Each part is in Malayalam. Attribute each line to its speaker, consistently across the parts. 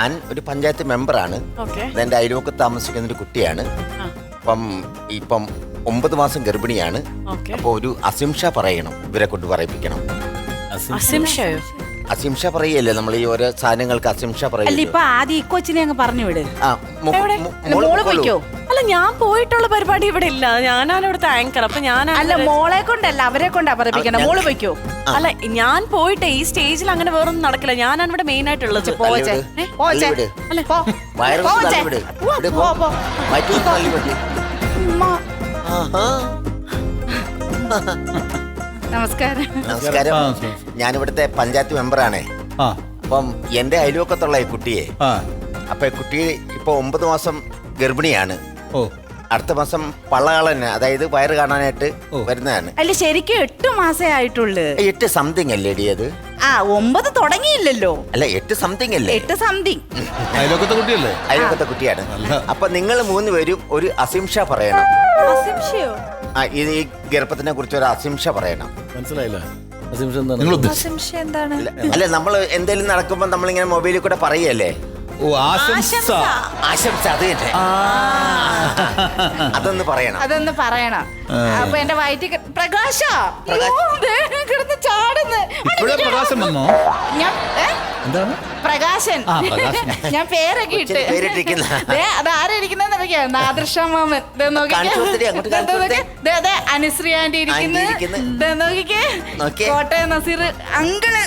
Speaker 1: ഞാൻ ഒരു പഞ്ചായത്ത് മെമ്പറാണ്. എന്റെ അയൽവക്കത്ത് താമസിക്കുന്ന ഒരു കുട്ടിയാണ്. ഇപ്പം 9 മാസം ഗർഭിണിയാണ്. അപ്പൊ ഒരു അസിംഷ പറയണം, ഇവരെ കൊണ്ട് പറയിപ്പിക്കണം. അസിംഷ പറയല്ലേ നമ്മൾ ഈ ഓരോ സാധനങ്ങൾക്ക് അസിംഷ പറയില്ല.
Speaker 2: ഇപ്പൊ ആദ്യം ഈ കൊച്ചിനെ അങ്ങ് പറഞ്ഞു വിട്.
Speaker 3: അല്ല, ഞാൻ പോയിട്ടുള്ള പരിപാടി ഇവിടെ ഇല്ല. ഞാനാണ് ഇവിടുത്തെ ആങ്കർ. അപ്പൊ
Speaker 2: അല്ല, മോളെ കൊണ്ടല്ല അവരെ കൊണ്ടാ പറയിപ്പിക്കണം. മോള് വയ്ക്കോ?
Speaker 3: അല്ല, ഞാൻ പോയിട്ട് ഈ സ്റ്റേജിൽ അങ്ങനെ വേറൊന്നും നടക്കില്ല. ഞാനാണ് ഇവിടെ മെയിൻ ആയിട്ടുള്ളത്.
Speaker 2: നമസ്കാരം.
Speaker 1: നമസ്കാരം. ഞാനിവിടുത്തെ പഞ്ചായത്ത് മെമ്പറാണേ. അപ്പം എന്റെ അയൽവക്കത്തുള്ള ഈ കുട്ടിയെ, അപ്പൊ കുട്ടി ഇപ്പൊ 9 മാസം ഗർഭിണിയാണ്. അടുത്ത മാസം പള്ളകളന്നെ, അതായത് വയറ് കാണാനായിട്ട് വരുന്നതാണ്.
Speaker 2: അല്ല, ശരിക്കും 8 മാസേ ആയിട്ടുള്ളൂ.
Speaker 1: 8 സംതിങ് അല്ലേ അത്?
Speaker 2: 9 തുടങ്ങിയില്ലല്ലോ.
Speaker 1: അല്ല, 8 സംതിങ് അല്ലേ?
Speaker 2: 8 സംതിങ്.
Speaker 4: അയൽവക്കത്തെ കുട്ടിയല്ലേ?
Speaker 1: അയൽവക്കത്തെ കുട്ടിയാണ്. അപ്പൊ നിങ്ങൾ 3 പേരും ഒരു അസിംഷ പറയണം.
Speaker 2: അസിംഷയോ?
Speaker 1: ഈ ഗർഭത്തിനെ കുറിച്ച് ഒരു അസിംഷ പറയണം.
Speaker 4: മനസ്സിലായില്ല?
Speaker 2: അസിംഷ എന്താണ്?
Speaker 1: അല്ല, നമ്മൾ എന്തെങ്കിലും നടക്കുമ്പോ നമ്മളിങ്ങനെ മൊബൈലിൽ കൂടെ പറയല്ലേ?
Speaker 4: ആശംസ.
Speaker 1: ആശംസ, അത് തന്നെ. അതൊന്ന് പറയണം.
Speaker 2: അപ്പൊ എന്റെ വയറ്റിൽ പ്രകാശ കിടന്ന് ചാടുന്നു.
Speaker 4: പ്രകാശം വന്നോ?
Speaker 2: എന്താണ് പ്രകാശൻ? ഞാൻ പേരൊക്കെ ഇട്ട്. അത് ആരായിരിക്കുന്ന നാദൃശ്യമാമൻ, അനുശ്രീ ആന്റി ഇരിക്കുന്നു, കോട്ടയം നസീർ അങ്കിള്.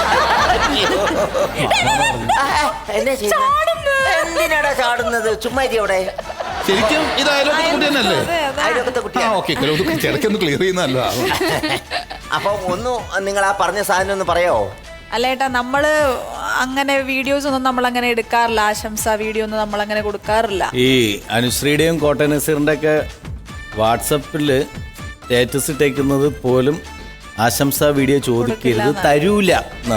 Speaker 1: എന്തിനാടാ ചാടുന്നത്? ചുമ്മാ അവിടെ
Speaker 4: ശരിക്കും ഇത് അയൽവക്കത്തെ കുട്ടി തന്നെയല്ലേ?
Speaker 1: അയൽവക്കത്തെ കുട്ടിയാണ്.
Speaker 4: ഇടയ്ക്കൊന്ന് ക്ലിയർ ചെയ്യുന്നല്ലോ.
Speaker 1: അപ്പൊ നിങ്ങൾ ആ പറഞ്ഞ സാധനം ഒന്ന് പറയോ?
Speaker 5: അല്ല ഏട്ടാ, നമ്മള് അങ്ങനെ വീഡിയോസ് ഒന്നും നമ്മൾ അങ്ങനെ എടുക്കാറില്ല. ആശംസ വീഡിയോ ഒന്നും നമ്മൾ അങ്ങനെ കൊടുക്കാറില്ല.
Speaker 6: ഈ അനുശ്രീയുടെയും കോട്ടയം നസീറിന്റെ ഒക്കെ വാട്സപ്പില് സ്റ്റാറ്റസ് ഇട്ടേക്കുന്നത് പോലും ആശംസ വീഡിയോ ചോദിക്കരുത്, തരില്ല.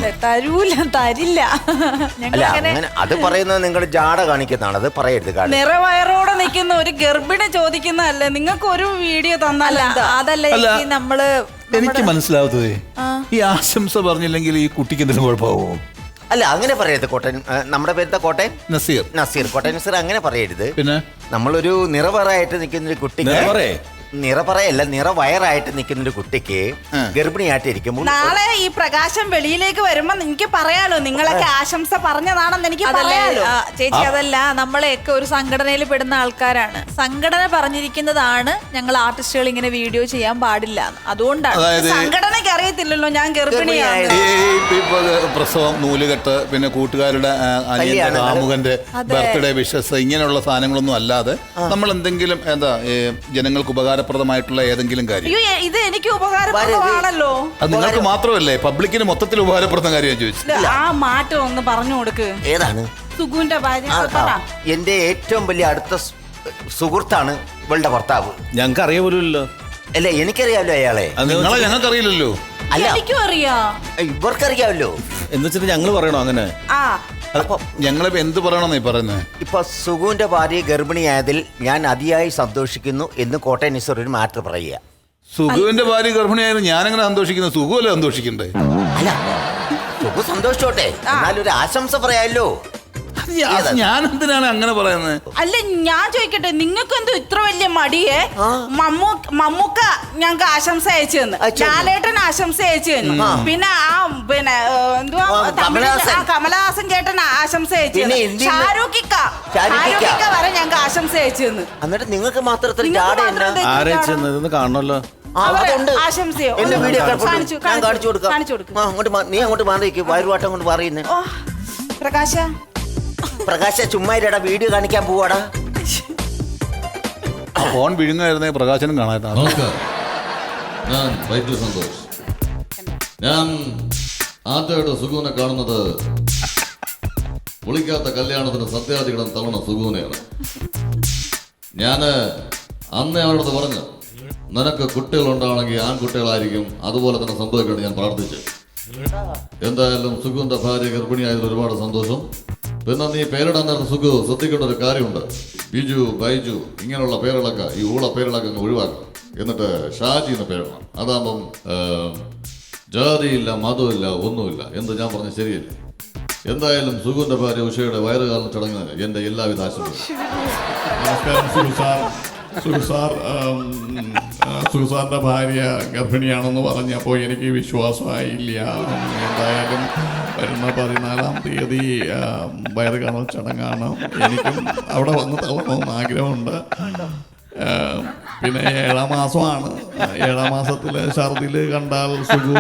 Speaker 1: അത് പറയുന്നത് നിങ്ങൾ ജാട കാണിക്കുന്നതാണ്. അത് പറയരുത്.
Speaker 5: നിറവയറോടെ നിൽക്കുന്ന ഒരു ഗർഭിണി ചോദിക്കുന്നതല്ലേ നിങ്ങൾക്ക് ഒരു വീഡിയോ തന്നല്ല? അതല്ല നമ്മള്
Speaker 4: എനിക്ക് മനസ്സിലാവത്തതേ, ഈ ആശംസ പറഞ്ഞില്ലെങ്കിൽ ഈ കുട്ടിക്ക് എന്തെങ്കിലും കുഴപ്പമാവോ?
Speaker 1: അല്ല, അങ്ങനെ പറയരുത്. കോട്ടയം, നമ്മുടെ പേരുത്ത കോട്ടയം നസീർ, കോട്ടയം നസീർ അങ്ങനെ പറയരുത്. പിന്നെ നമ്മളൊരു നിറവയറായിട്ട് നിൽക്കുന്ന ഒരു കുട്ടിക്ക്, നിറപറയല്ല നിറവയറായിട്ട് നിൽക്കുന്ന ഒരു കുട്ടിക്ക് ഗർഭിണിയായിട്ട് ഇരിക്കുമ്പോൾ
Speaker 2: നാളെ ഈ പ്രകാശം വെളിയിലേക്ക് വരുമ്പോ എനിക്ക് പറയാലോ നിങ്ങളൊക്കെ ആശംസ പറഞ്ഞതാണെന്ന് എനിക്ക് പറയാലോ.
Speaker 5: ചേച്ചി, അതല്ല, നമ്മളെയൊക്കെ ഒരു സംഘടനയിൽ പെടുന്ന ആൾക്കാരാണ്. സംഘടന പറഞ്ഞിരിക്കുന്നതാണ് ഞങ്ങൾ ആർട്ടിസ്റ്റുകൾ ഇങ്ങനെ വീഡിയോ ചെയ്യാൻ പാടില്ല. അതുകൊണ്ടാണ്.
Speaker 2: സംഘടനയ്ക്ക് അറിയത്തില്ലല്ലോ ഞാൻ ഗർഭിണിയാണ്.
Speaker 4: പ്രസവം, നൂലുകെട്ട്, പിന്നെ കൂട്ടുകാരുടെ അനിയന്റെ കാമുകന്റെ ബർത്ത്ഡേ വിഷസ്, ഇങ്ങനെയുള്ള സാധനങ്ങളൊന്നും അല്ലാതെ നമ്മൾ എന്തെങ്കിലും ജനങ്ങൾക്ക് ഉപകാരപ്രദമായിട്ടുള്ള ഏതെങ്കിലും കാര്യം.
Speaker 2: ഇത് എനിക്ക് ഉപകാരപ്രദമാണല്ലോ.
Speaker 4: അത് നിങ്ങൾക്ക് മാത്രമല്ലേ, പബ്ലിക്കിന് മൊത്തത്തിൽ ഉപകാരപ്പെടുന്ന കാര്യം ചോദിച്ചു.
Speaker 2: ആ മാറ്റം ഒന്ന് പറഞ്ഞു കൊടുക്ക്.
Speaker 1: ഏതാണ്?
Speaker 2: സുഗുന്റെ ഭാര്യ.
Speaker 1: എന്റെ ഏറ്റവും വലിയ അടുത്ത സുഹൃത്താണ് ഇവളുടെ ഭർത്താവ്.
Speaker 6: ഞങ്ങൾക്ക് അറിയ പോലുമല്ലോ.
Speaker 1: അല്ല, എനിക്കറിയാമല്ലോ അയാളെ.
Speaker 4: നിങ്ങളെ ഞങ്ങൾക്ക് അറിയില്ലല്ലോ.
Speaker 1: അല്ല,
Speaker 2: എനിക്കും അറിയാം.
Speaker 1: ഇവർക്കറിയാമല്ലോ.
Speaker 6: എന്ന് വെച്ചിട്ട് ഞങ്ങൾ പറയണോ അങ്ങനെ?
Speaker 4: ഞങ്ങളിപ്പോ എന്ത് പറയണമെന്നീ പറയുന്നത്?
Speaker 1: ഇപ്പൊ സുഗുവിന്റെ ഭാര്യ ഗർഭിണിയായതിൽ ഞാൻ അതിയായി സന്തോഷിക്കുന്നു എന്ന് കോട്ടയം നസീർ ഒരു മാറ്റർ പറയുക.
Speaker 4: സുഗുവിന്റെ ഭാര്യ ഗർഭിണിയായാലും ഞാനെങ്ങനെ സന്തോഷിക്കുന്നത്? സുഗുവല്ലേ സന്തോഷിക്കണ്ടേ?
Speaker 1: അല്ല, സുഗു സന്തോഷിച്ചോട്ടെ, എന്നാലും ഒരു ആശംസ പറയാമല്ലോ.
Speaker 4: ഞാൻ എന്തിനാണ് അങ്ങനെ പറയുന്നത്?
Speaker 2: അല്ല, ഞാൻ ചോദിക്കട്ടെ, നിങ്ങൾക്ക് എന്തോ ഇത്ര വലിയ മടിയേ? മമ്മൂക്ക ഞങ്ങൾക്ക് ആശംസ അയച്ചു തന്നു, ലാലേട്ടൻ ആശംസ അയച്ചു തന്നു, പിന്നെ എന്തുവാ കമലഹാസൻ ചേട്ടൻ ആശംസ അയച്ചു തന്നു, ഷാരൂഖിക്ക വരെ ഞങ്ങൾക്ക് ആശംസ അയച്ചു തന്നു.
Speaker 1: എന്നിട്ട് നിങ്ങൾക്ക് മാത്രം
Speaker 6: കാണണല്ലോ.
Speaker 2: ആശംസയോ?
Speaker 1: എന്റെ വീഡിയോ കാണിച്ചു കൊടുക്കാം. നീ അങ്ങോട്ട് മാറിയിരിക്കും, വയറുവാട്ടം കൊണ്ട് പറയുന്നേ. പ്രകാശ ചുമ്മാ വീഡിയോ കാണിക്കാൻ പോവാടാ.
Speaker 4: ഫോൺ വിഴുങ്ങായിരുന്നേ പ്രകാശനും കാണാൻ.
Speaker 7: ഞാൻ വൈദ്യ സന്തോഷ്. ഞാൻ ആദ്യമായിട്ട് സുഗുവിനെ കാണുന്നത് വിളിക്കാത്ത കല്യാണത്തിന് സത്യാധികടം തവണ സുഗുവിനെയാണ്. ഞാൻ അന്ന് അവരോട് പറഞ്ഞു, നിനക്ക് കുട്ടികളുണ്ടാണെങ്കിൽ ആൺകുട്ടികളായിരിക്കും, അതുപോലെ തന്നെ സംഭവിക്കണം ഞാൻ പ്രാർത്ഥിച്ചു. എന്തായാലും സുഗുവിന്റെ ഭാര്യ ഗർഭിണിയായതിൽ ഒരുപാട് സന്തോഷം. പിന്നെ നീ പേരിടാൻ നേരം സുഖു ശ്രദ്ധിക്കേണ്ട ഒരു കാര്യമുണ്ട്. ബിജു, ബൈജു ഇങ്ങനെയുള്ള പേരുകളൊക്കെ, ഈ ഊള പേരുകളൊക്കെ അങ്ങ് ഒഴിവാക്കണം. എന്നിട്ട് ഷാജി എന്ന് പേരിടണം. അതാകുമ്പം ജാതിയില്ല, മതമില്ല, ഒന്നുമില്ല. എന്ത് ഞാൻ പറഞ്ഞ ശരിയല്ലേ? എന്തായാലും സുഗുവിന്റെ ഭാര്യ ഉഷയുടെ വയറുകാലം ചടങ്ങിന് എൻ്റെ എല്ലാവിധ ആശംസകളും.
Speaker 8: നമസ്കാരം സുഗു സാർ. സുഗു സാറിൻ്റെ ഭാര്യ ഗർഭിണിയാണെന്ന് പറഞ്ഞപ്പോൾ എനിക്ക് വിശ്വാസമായില്ല. എന്തായാലും വരുന്ന 14-ാം തീയതി വയറ് കാണൽ ചടങ്ങാണ്. എനിക്കും അവിടെ വന്ന് തള്ളണമെന്ന് ആഗ്രഹമുണ്ട്. പിന്നെ 7-ാം മാസമാണ്. 7-ാം മാസത്തിൽ ഛർദിൽ കണ്ടാൽ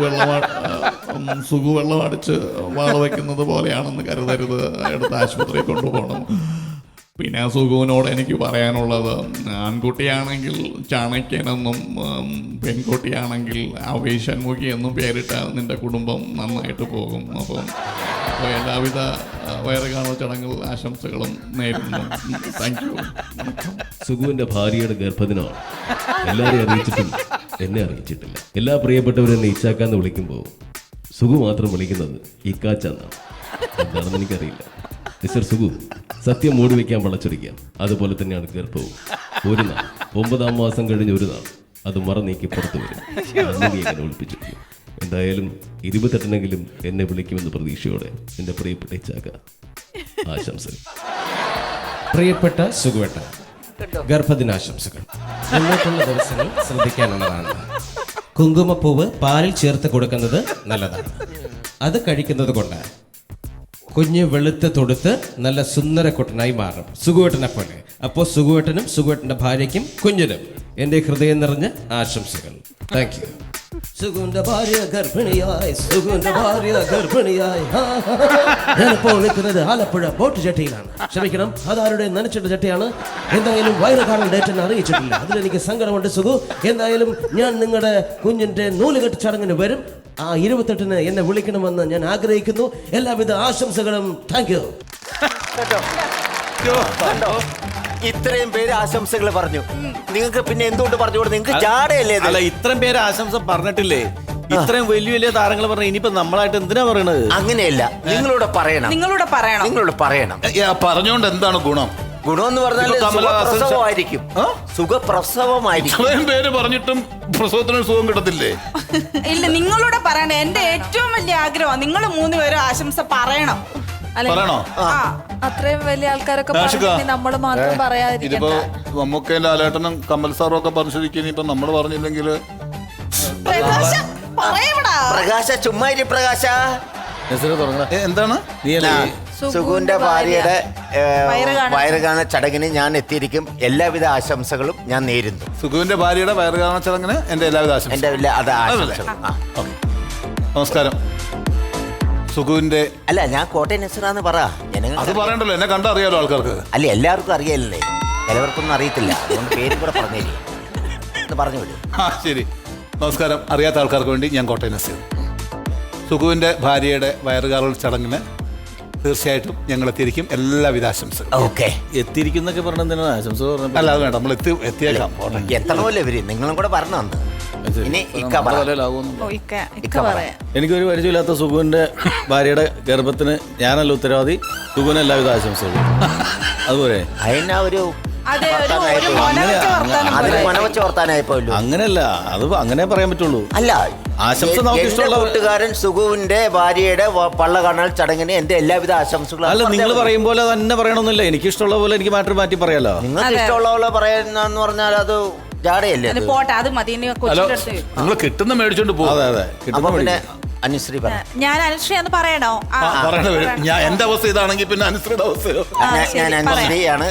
Speaker 8: സുഗു വെള്ളം അടിച്ച് വാള വയ്ക്കുന്നത് പോലെയാണെന്ന് കരുതരുത്. എടുത്ത് ആശുപത്രിയിൽ കൊണ്ടുപോകണം. പിന്നെ സുഗുവിനോട് എനിക്ക് പറയാനുള്ളത്, ആൺകുട്ടിയാണെങ്കിൽ ചാണക്യനെന്നും പെൺകുട്ടിയാണെങ്കിൽ ആവേശന്മുഖി എന്നും പേരിട്ടാൽ നിന്റെ കുടുംബം നന്നായിട്ട് പോകും. അപ്പം എല്ലാവിധ വയറുകാണൽ ചടങ്ങുകൾ ആശംസകളും നേരുന്നു. Thank you.
Speaker 9: സുഗുവിന്റെ ഭാര്യയുടെ ഗർഭദിനമാണ്. എല്ലാവരെയും അറിയിച്ചിട്ടില്ല, എന്നെ അറിയിച്ചിട്ടില്ല. എല്ലാ പ്രിയപ്പെട്ടവരെന്നെ ഇച്ചാക്കാന്ന് വിളിക്കുമ്പോൾ സുഗു മാത്രം വിളിക്കുന്നത് ഇക്കാച്ചാന്നാണ്. എന്താണെന്ന് എനിക്കറിയില്ല. മിസ്റ്റർ സുഗു, സത്യം മൂടി വയ്ക്കാൻ വളച്ചൊടിക്കാം. അതുപോലെ തന്നെയാണ് ഗർഭവും. ഒരു നാൾ 9-ാം മാസം കഴിഞ്ഞ് ഒരു നാൾ അത് മറനീക്കി പുറത്തു വരും. എങ്ങനെ ഒളിപ്പിച്ചിരിക്കും. എന്തായാലും 28-നെങ്കിലും എന്നെ വിളിക്കുമെന്ന് പ്രതീക്ഷയോടെ എൻ്റെ പ്രിയപ്പെട്ട ഇച്ചാക്ക, ആശംസകൾ.
Speaker 10: പ്രിയപ്പെട്ട സുഗുവേട്ട, ഗർഭദിനാശംസകൾ. മുന്നോട്ടുള്ള ദിവസങ്ങൾ ശ്രദ്ധിക്കാനുള്ളതാണ്. കുങ്കുമപ്പൂവ് പാലിൽ ചേർത്ത് കൊടുക്കുന്നത് നല്ലതാണ്. അത് കഴിക്കുന്നത് കൊണ്ട് കുഞ്ഞ് വെളുത്ത് തൊടുത്ത് നല്ല സുന്ദരക്കുട്ടനായി മാറും, സുഗുവേട്ടനെ പോലെ. അപ്പോൾ സുഗുവേട്ടനും സുഗുവേട്ടൻ്റെ ഭാര്യയ്ക്കും കുഞ്ഞിനും എൻ്റെ ഹൃദയം നിറഞ്ഞ ആശംസകൾ. Thank you. സുഗുവിന്റെ ഭാര്യ ഗർഭിണിയായി, സുഗുവിന്റെ ഭാര്യ ഗർഭിണിയായി. ഞാനിപ്പോൾ നിൽക്കുന്നത് ആലപ്പുഴ ബോട്ട് ചട്ടിയിലാണ്. ക്ഷമിക്കണം, അതാരുടെ നനച്ചിട്ട ചട്ടിയാണ്. എന്തായാലും വയറ് കാണാൻ ഡേറ്റ് അറിയിച്ചിട്ടില്ല. അതിലെനിക്ക് സങ്കടമുണ്ട് സുഗു. എന്തായാലും ഞാൻ നിങ്ങളുടെ കുഞ്ഞിന്റെ നൂലുകെട്ട് ചടങ്ങിന് വരും. ആ 28-ന് എന്നെ വിളിക്കണമെന്ന് ഞാൻ ആഗ്രഹിക്കുന്നു. എല്ലാവിധ ആശംസകളും. Thank you.
Speaker 1: ഇത്രയും പേര് ആശംസകൾ പറഞ്ഞു. നിങ്ങൾക്ക് പിന്നെ എന്തുകൊണ്ട് പറഞ്ഞുകൂടെ? നിങ്ങൾക്ക് ജാടയല്ലേ ഇത്?
Speaker 6: അല്ല, ഇത്രയും പേര് ആശംസ പറഞ്ഞിട്ടില്ലേ? ഇത്രയും വലിയ വലിയ താരങ്ങൾ പറഞ്ഞ ഇനിയിപ്പോ നമ്മളായിട്ട് എന്തിനാ പറയണത്?
Speaker 1: അങ്ങനെയല്ല, നിങ്ങളോട് പറയണം.
Speaker 2: നിങ്ങളോട് പറയണം.
Speaker 4: പറഞ്ഞോണ്ട് എന്താണ് ഗുണം?
Speaker 1: ഗുണമെന്ന് പറഞ്ഞാൽ സുഖപ്രസവമായിരിക്കും. സുഖപ്രസവമായിരിക്കും.
Speaker 4: ഇത്രയും പേര് പറഞ്ഞിട്ടും പ്രസവത്തിന് സുഖം കിട്ടത്തില്ലേ?
Speaker 2: ഇല്ല, നിങ്ങളോട് പറയണം. എന്റെ ഏറ്റവും വലിയ ആഗ്രഹം നിങ്ങൾ 3 പേരും ആശംസ പറയണം.
Speaker 4: പറയണോ?
Speaker 5: അത്രയും വലിയ ആൾക്കാരൊക്കെ പറഞ്ഞിട്ടുണ്ടെങ്കിൽ നമ്മൾ മാത്രം
Speaker 4: ഇതിപ്പോ
Speaker 5: പറയാതിരിക്കണ്ട.
Speaker 4: നമുക്ക് ലാലേട്ടനും കമൽ സാറും ഒക്കെ പറഞ്ഞിരിക്കും. ഇപ്പൊ നമ്മൾ പറഞ്ഞില്ലെങ്കിൽ
Speaker 1: പ്രകാശ ചുമ്മാ ഇരി പ്രകാശ.
Speaker 4: എന്താണ്?
Speaker 1: സുഗുവിന്റെ ഭാര്യയുടെ വയറുകാണ ചടങ്ങിന് ഞാൻ എത്തിയിരിക്കും. എല്ലാവിധ ആശംസകളും ഞാൻ നേരുന്നു.
Speaker 4: സുഗുവിന്റെ ഭാര്യയുടെ വയറുകാണ ചടങ്ങിന് എന്റെ എല്ലാവിധ
Speaker 1: ആശംസകളും.
Speaker 4: നമസ്കാരം. സുഗുവിന്റെ
Speaker 1: അല്ല, ഞാൻ കോട്ടയം നസറാന്ന് പറ.
Speaker 4: അത് പറയണ്ടല്ലോ, എന്നെ കണ്ടറിയാലോ ആൾക്കാർക്ക്.
Speaker 1: അല്ല, എല്ലാവർക്കും അറിയാലല്ലേ, ചിലവർക്കൊന്നും അറിയത്തില്ല. അതുകൊണ്ട് പേരും കൂടെ പറഞ്ഞേരി പറഞ്ഞു വിടും.
Speaker 4: ശരി. നമസ്കാരം. അറിയാത്ത ആൾക്കാർക്ക് വേണ്ടി ഞാൻ കോട്ടയം നസീർ. സുഗുവിന്റെ ഭാര്യയുടെ വയറുകാണൽ ചടങ്ങിന് തീർച്ചയായിട്ടും ഞങ്ങൾ എത്തിയിരിക്കും. എല്ലാവിധ ആശംസകൾ.
Speaker 1: ഓക്കെ.
Speaker 6: എത്തിയിരിക്കുന്നൊക്കെ പറഞ്ഞ ആശംസ പറഞ്ഞു.
Speaker 4: അല്ല, അത് വേണ്ട, നമ്മൾ എത്തിയേക്കാം.
Speaker 1: എത്തണമല്ലോ ഇവര്. നിങ്ങളും കൂടെ പറഞ്ഞു വന്നു. ഇനി
Speaker 6: എനിക്കൊരു പരിചയമില്ലാത്ത സുഗുവിന്റെ ഭാര്യയുടെ ഗർഭത്തിന് ഞാനല്ല ഉത്തരവാദി. സുഗുവിന് എല്ലാവിധ ആശംസകളും. അതുപോലെ
Speaker 1: അതിനാ ഒരു
Speaker 6: അങ്ങനെയല്ല, അത് അങ്ങനെ പറയാൻ പറ്റുള്ളൂ.
Speaker 1: അല്ല,
Speaker 6: ആശംസ നമുക്ക് ഇഷ്ടമുള്ള
Speaker 1: കൂട്ടുകാരൻ സുഗുവിന്റെ ഭാര്യയുടെ പള്ള കാണൽ ചടങ്ങിന് എന്റെ എല്ലാവിധ ആശംസകളും.
Speaker 6: അല്ല, നിങ്ങൾ പറയും പോലെ തന്നെ പറയണമെന്നില്ല. എനിക്ക് ഇഷ്ടമുള്ള പോലെ എനിക്ക് മാറ്റി പറയാലോ.
Speaker 1: നിങ്ങൾക്ക് ഇഷ്ടമുള്ള പോലെ പറയുന്ന പറഞ്ഞാൽ അത് ജാടയല്ലേ?
Speaker 2: പോട്ടെ, അത് മതി.
Speaker 4: നിങ്ങൾ കിട്ടുന്ന മേടിച്ചോണ്ട് പോകും.
Speaker 6: അതെ അതെ, കിട്ടുന്ന
Speaker 1: അനുശ്രീ പറ.
Speaker 5: ഞാൻ അനുശ്രീ എന്ന് പറയണോ?
Speaker 4: ഞാൻ എന്റെ അവസ്ഥ ഇതാണെങ്കിൽ പിന്നെ അനുശ്രീയുടെ അവസ്ഥയോ?
Speaker 1: ഞാൻ അനുശ്രീയാണ്.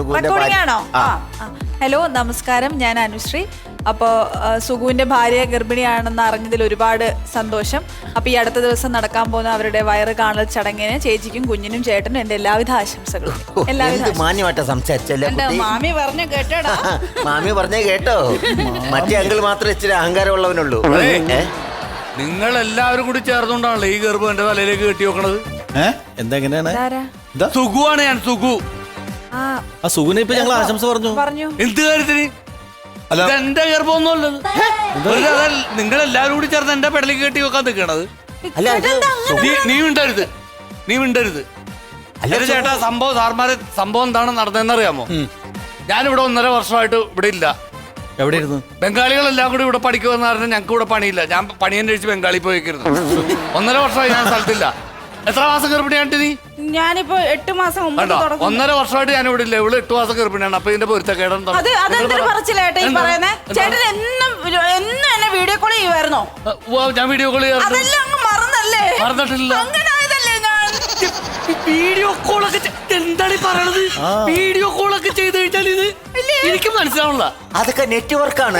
Speaker 5: ഹലോ, നമസ്കാരം. ഞാൻ അനുശ്രീ. അപ്പോൾ സുഗുവിൻ്റെ ഭാര്യ ഗർഭിണിയാണെന്ന് അറിഞ്ഞതിൽ ഒരുപാട് സന്തോഷം. അപ്പോൾ ഈ അടുത്ത ദിവസം നടക്കാൻ പോകുന്ന അവരുടെ വയറ് കാണൽ ചടങ്ങിന് ചേച്ചിക്കും കുഞ്ഞിനും ചേട്ടനും എൻ്റെ എല്ലാവിധ ആശംസകളും.
Speaker 1: മാന്യമായിട്ട് സംസാരിച്ചല്ലേ
Speaker 2: മാമി പറഞ്ഞു കേട്ടോടാ.
Speaker 1: മാമി പറഞ്ഞേ കേട്ടോ. മറ്റേ അങ്കിൾ മാത്രമേ ഇച്ചിരി അഹങ്കാരമുള്ളവനുള്ളൂ.
Speaker 11: നിങ്ങൾ എല്ലാവരും കൂടി ചേർന്നുകൊണ്ടാണല്ലോ ഈ ഗർഭം എന്റെ തലയിലേക്ക് കെട്ടി വെക്കണത്.
Speaker 6: എന്തെങ്ങനെയാണ്?
Speaker 11: സുഗുവാണ് ഞാൻ. സുഗു.
Speaker 6: ആ സുഗുവിനെ ഇപ്പൊ ഞങ്ങൾ ആശംസ പറഞ്ഞു.
Speaker 11: എന്ത് കാര്യത്തിന്? എന്റെ ഗർഭമൊന്നുമല്ലത്. നിങ്ങൾ എല്ലാവരും കൂടി ചേർന്ന് എന്റെ പെടലേക്ക് കെട്ടി വെക്കാൻ നിൽക്കണത്. നീ മിണ്ടരുത്. ചേട്ടാ, സംഭവം എന്താണ് നടന്നതെന്നറിയാമോ? ഞാനിവിടെ 1.5 വർഷമായിട്ട് ഇവിടെ ഇല്ല.
Speaker 6: എവിടെ ഇരുന്നു?
Speaker 11: ബംഗാളികളെല്ലാം കൂടി ഇവിടെ പഠിക്കുമെന്ന് പറഞ്ഞാൽ ഞങ്ങൾക്ക് ഇവിടെ പണിയില്ല. ഞാൻ പണി അന്വേഷിച്ച് ബംഗാളി പോയിക്കരുത്. 1.5 വർഷമായി ഞാൻ സ്ഥലത്തില്ല. എത്ര മാസം ഗർഭിണിയാണ്ട് നീ?
Speaker 2: ഞാനിപ്പോ 8 മാസം മുമ്പ്
Speaker 11: കണ്ടോ,
Speaker 2: തുടങ്ങും.
Speaker 11: 1.5 വർഷമായിട്ട് ഞാൻ ഇവിടെ ഇല്ല. ഇവള് 8 മാസം ഗർഭിണിയാണ്. അപ്പൊ ഇതിന്റെ പൊരുത്തക്കേടെന്താ?
Speaker 2: അതെന്തൊരു പറച്ചിലേട്ടാ ഈ പറയുന്നേ? ചേട്ടൻ എന്നും എന്നെ വീഡിയോ കോൾ ചെയ്യുമായിരുന്നോ?
Speaker 11: ഞാൻ വീഡിയോ കോൾ ചെയ്യാറുണ്ട്.
Speaker 2: അതെല്ലാം അങ്ങ് മറന്നല്ലേ?
Speaker 11: മറന്നിട്ടില്ല.
Speaker 2: അങ്ങനെ ആയതല്ലേ ഞാൻ?
Speaker 11: വീഡിയോ കോളൊക്കെ എന്താണ് ഈ പറയണത്? വീഡിയോ കോളൊക്കെ ചെയ്ത് കഴിഞ്ഞാൽ ഇത് എനിക്ക് മനസ്സിലാവണില്ല.
Speaker 1: അതൊക്കെ നെറ്റ്വർക്കാണ്.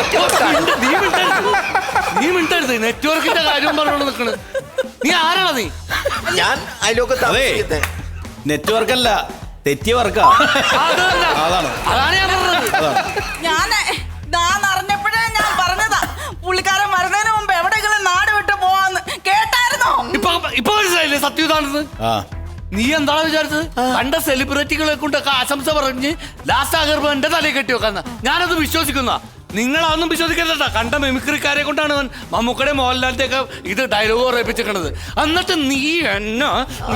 Speaker 11: നീ മിണ്ടരുത്. നെറ്റ്വർക്കിന്റെ കാര്യം പറഞ്ഞോണ്ട് നിക്കണ്. നീ ആരാണ് നീ?
Speaker 1: ഞാൻ അയലോക്കത്തെ
Speaker 6: നെറ്റ്വർക്ക് അല്ല, തെറ്റിയ വർക്കാ.
Speaker 11: അതാണ് ഞാൻ പറഞ്ഞത്.
Speaker 2: ഞാൻ അറിഞ്ഞപ്പോഴേ ഞാൻ പറഞ്ഞതാ, പുള്ളിക്കാരൻ വരുന്നതിന് മുമ്പ് എവിടെയെങ്കിലും നാട് വിട്ട് പോവാന്ന്. കേട്ടായിരുന്നോ?
Speaker 11: ഇപ്പൊ മനസ്സിലായില്ലേ സത്യം ഇതാണെന്ന്? നീ എന്താണ് വിചാരിച്ചത്? കണ്ട സെലിബ്രിറ്റികളെ കൊണ്ടൊക്കെ ആശംസ പറഞ്ഞ് ലാസ്റ്റ് ആ ഗർഭം എന്റെ തലയിൽ കെട്ടി വെക്കാന്ന. ഞാനത് വിശ്വസിക്കുന്ന. നിങ്ങളതൊന്നും വിശ്വസിക്കരുതട്ടാ. കണ്ട മിമിക്രിക്കാരെ കൊണ്ടാണ് മമ്മൂക്കടെ മോഹൻലാലിന്റെ ഒക്കെ ഇത് ഡയലോഗ് പറയിപ്പിച്ചിരിക്കണത്. എന്നിട്ട് നീ എന്നെ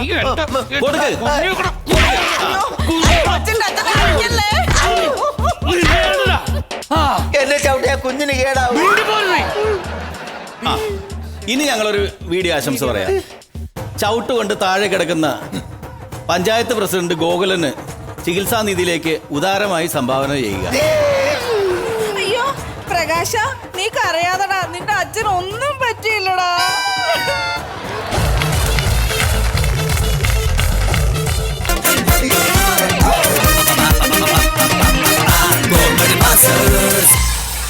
Speaker 1: ചവിട്ടിയ കുഞ്ഞിന് കേടാവും.
Speaker 6: ഇനി ഞങ്ങളൊരു വീഡിയോ ആശംസ പറയാം. ചവിട്ട് കൊണ്ട് താഴെ കിടക്കുന്ന പഞ്ചായത്ത് പ്രസിഡന്റ് ഗോകുലന് ചികിത്സാ നിധിയിലേക്ക് ഉദാരമായി സംഭാവന ചെയ്യുക.
Speaker 2: അയ്യോ പ്രകാശ, നീ കരയാതടാ. നിന്റെ അച്ഛൻ ഒന്നും പറ്റിയില്ലടാ.
Speaker 12: Masters